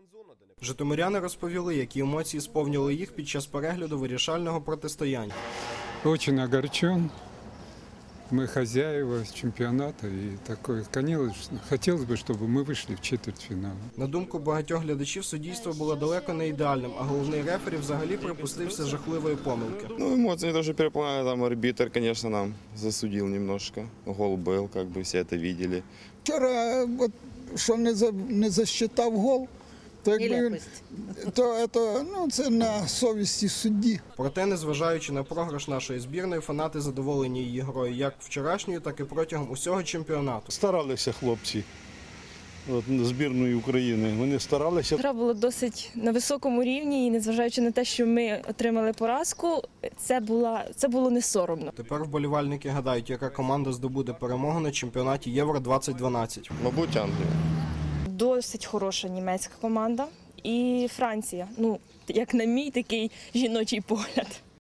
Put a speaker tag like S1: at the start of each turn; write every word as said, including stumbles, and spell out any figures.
S1: Житомиряни розповіли, які емоції сповнили їх під час перегляду вирішального протистояння.
S2: Очень огорчен. Мы хозяева чемпионата, и такое, конечно, хотелось бы, чтобы мы вышли в четвертьфинал.
S1: На думку багатьох глядачів, суддівство було далеко не ідеальним, а головний рефері взагалі припустився жахливої помилки.
S3: Ну, эмоции тоже переполняли, там арбитр, конечно, нам засудил немножко. Гол был, как бы все это видели.
S4: Вчора, от, що не, за, не засчитав гол, то, якби, він- то, то ну, це на совісті судді.
S1: Проте, незважаючи на програш нашої збірної, фанати задоволені її грою як вчорашньою, так і протягом усього чемпіонату.
S5: Старалися хлопці от, збірної України. Вони старалися.
S6: Гра була досить на високому рівні, і незважаючи на те, що ми отримали поразку, це, була, це було не соромно.
S1: Тепер вболівальники гадають, яка команда здобуде перемогу на чемпіонаті Євро двадцять дванадцять.
S3: Мабуть, Англия.
S6: Досить хороша німецька команда і Франція. Ну, як на мій такий жіночий погляд.